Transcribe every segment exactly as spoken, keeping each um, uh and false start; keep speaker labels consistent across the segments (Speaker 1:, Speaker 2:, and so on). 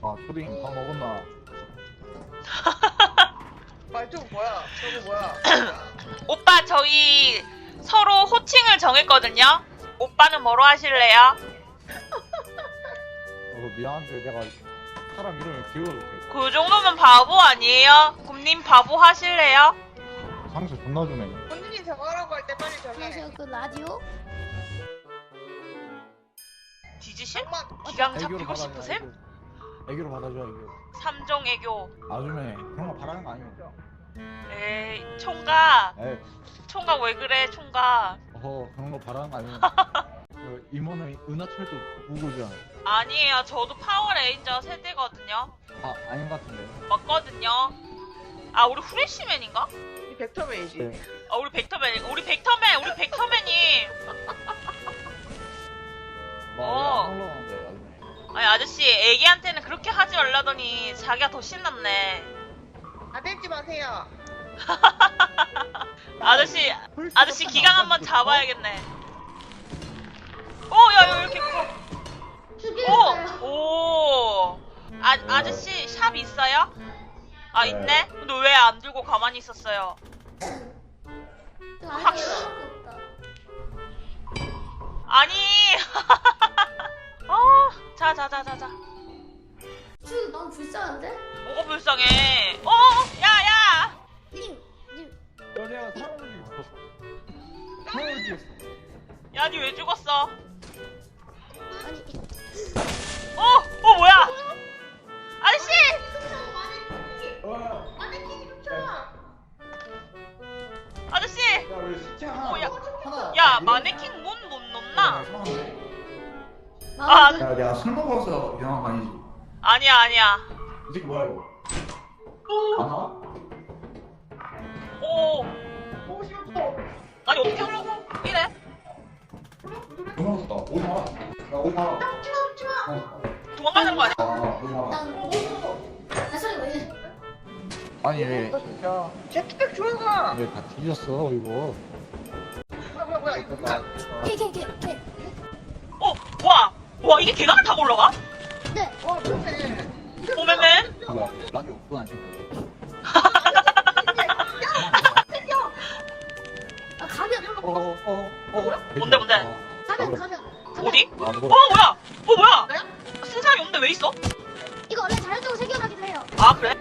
Speaker 1: 아 초딩 밥 먹었나?
Speaker 2: 말좀 뭐야? 저거 뭐야?
Speaker 3: 오빠 저희 서로 호칭을 정했거든요. 오빠는 뭐로 하실래요?
Speaker 1: 어, 미안한데 내가 사람 이름을 기억을게.
Speaker 3: 그 정도면 바보 아니에요? 곰님 바보 하실래요?
Speaker 1: 상처 존나 주네.
Speaker 2: 본인이 정하라고 할 때 빨리 정해.
Speaker 4: 안녕하세요. 그 라디오?
Speaker 3: 뒤지실?
Speaker 2: 엄마
Speaker 3: 기강
Speaker 1: 애교로
Speaker 3: 잡히고
Speaker 1: 받아줘.
Speaker 3: 싶으셈?
Speaker 1: 애교. 애교로 받아줘 애교.
Speaker 3: 삼종 애교.
Speaker 1: 아줌에 그런 거 바라는 거 아니죠?
Speaker 3: 에이 총각.
Speaker 1: 에이
Speaker 3: 총각 왜 그래 총각.
Speaker 1: 어허 그런 거 바라는 거 아니면 그 임원은 은하철도 우고잖아.
Speaker 3: 아니에요. 저도 파워레인저 세대거든요.
Speaker 1: 아 아닌 것 같은데.
Speaker 3: 맞거든요. 아 우리 후레쉬맨인가?
Speaker 2: 이 벡터맨이지.
Speaker 1: 네.
Speaker 3: 아 우리 벡터맨. 우리 벡터맨. 우리 벡터맨님. 어.
Speaker 1: 나왜안 올라가는데 아줌에.
Speaker 3: 아니 아저씨 애기한테는 그렇게 하지 말라더니 자기가 더 신났네.
Speaker 2: 아들지 마세요.
Speaker 3: 아저씨 아저씨 기강 한번 잡아야겠네. 오야 이렇게
Speaker 4: 죽였어요.
Speaker 3: 오! 오! 아, 아저씨 샵 있어요? 아
Speaker 1: 네.
Speaker 3: 있네? 근데 왜 안 들고 가만히 있었어요? 확- 아니 어, 자자자자자
Speaker 4: 저 너무 불쌍한데?
Speaker 3: 뭐가 불쌍해. 어 야야
Speaker 4: 님, 님.
Speaker 1: 여자가 사람을 죽였어. 사람을 죽였어.
Speaker 3: 야 니 왜 죽었어?
Speaker 4: 아니.
Speaker 3: 어! 어 뭐야 아저씨!
Speaker 1: 어.
Speaker 2: 마네킹이 훔쳐.
Speaker 3: 아저씨!
Speaker 1: 야왜 시체 하나?
Speaker 3: 어, 야.
Speaker 1: 하나.
Speaker 3: 야 마네킹 문 못 넣나?
Speaker 4: 아,
Speaker 3: 아.
Speaker 1: 야 내가 술 먹어서 이상한 거 아니지?
Speaker 3: 아니야 아니야
Speaker 1: 이 새끼 뭐야 이거? 안 나와?
Speaker 3: 오
Speaker 2: 보고 싶어.
Speaker 3: 아니 어떻게 하려고 이래?
Speaker 1: 너무 무섭다. 오지 마라. 야 오지 마라.
Speaker 2: 훔치마 훔치마.
Speaker 3: 도망가는 거 아니야?
Speaker 1: 아 오지 마라.
Speaker 4: 난 나 소리 왜 이래?
Speaker 1: 아니 왜?
Speaker 2: 제트팩 조용아.
Speaker 1: 왜 다 뒤졌어 이거?
Speaker 2: 뭐야 뭐야 뭐야 이거 뭐야?
Speaker 4: 걔, 걔, 걔, 걔.
Speaker 3: 어 와! 와 이게 계단을 타고 올라가?
Speaker 4: 네.
Speaker 2: 어 그렇네.
Speaker 3: 오메맨?
Speaker 1: 뭐야? 라디오 없구나 아직.
Speaker 4: 아, 가면.
Speaker 1: 어어 어. 어.
Speaker 3: 뭔데, 뭔데?
Speaker 4: 가면, 가면. 가면.
Speaker 3: 어디?
Speaker 1: 아
Speaker 3: 어
Speaker 1: 누구?
Speaker 3: 뭐야? 어 뭐야?
Speaker 2: 나야?
Speaker 3: 쓴 사람이 없는데 왜 있어?
Speaker 4: 이거 원래 자율적으로 생겨나긴 해요.
Speaker 3: 아 그래?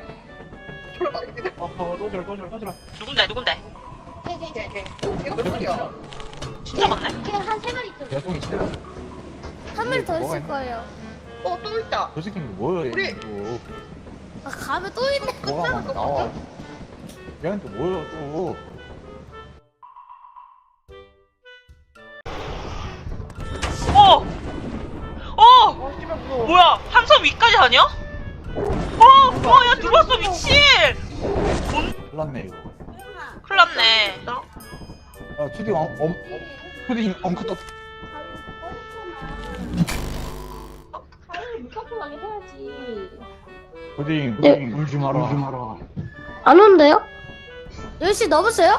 Speaker 1: 어어 또절 또절 또절.
Speaker 3: 누군데 누군데?
Speaker 4: 걔, 걔, 걔.
Speaker 2: 걔 걔. 이거 몇 마리야?
Speaker 3: 진짜 많네?
Speaker 4: 걔한세 마리 있어요.
Speaker 1: 개똥이 진짜.
Speaker 4: 한 마리 더
Speaker 1: 뭐가
Speaker 4: 있을
Speaker 1: 있나?
Speaker 4: 거예요.
Speaker 2: 어 또 있다.
Speaker 1: 저 새끼는 뭐야
Speaker 2: 우리-
Speaker 1: 이거?
Speaker 4: 아, 가면 또 있네.
Speaker 1: 뭐가 막 나와? 얘한테 뭐야 또?
Speaker 3: 어! 어!
Speaker 2: 어 씨발 무서워.
Speaker 3: 뭐야? 한섬 위까지 다녀? 어! 어! 야 들어왔어 미친! 돈
Speaker 1: 큰일났네 이거.
Speaker 3: 큰일 났네.
Speaker 1: 야 초딩 엄 엄. 초딩 엉크 떴.
Speaker 4: 가면 무섭게 해야지.
Speaker 1: 초딩
Speaker 4: 네.
Speaker 1: 초딩 울지 마라. 울지 마라.
Speaker 4: 안 온대요? 열 시 넘었어요?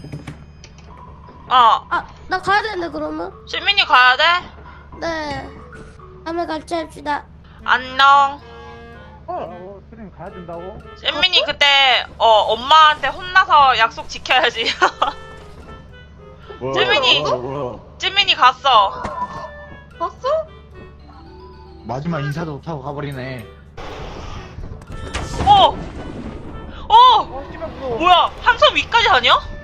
Speaker 3: 어
Speaker 4: 아, 나 가야 되는데, 그러면?
Speaker 3: 시민이 가야 돼?
Speaker 4: 네. 다음에 같이 합시다.
Speaker 3: 안녕.
Speaker 1: 어 초딩 가야 된다고?
Speaker 3: 잼민이 그때 어 엄마한테 혼나서 약속 지켜야지.
Speaker 1: 뭐야,
Speaker 3: 잼민이!
Speaker 1: 뭐야, 뭐야.
Speaker 3: 잼민이 갔어.
Speaker 2: 봤어?
Speaker 1: 마지막 인사도 못하고 가버리네.
Speaker 3: 어! 어!
Speaker 2: 어 씨발 무서워.
Speaker 3: 뭐야? 한섬 위까지 다녀?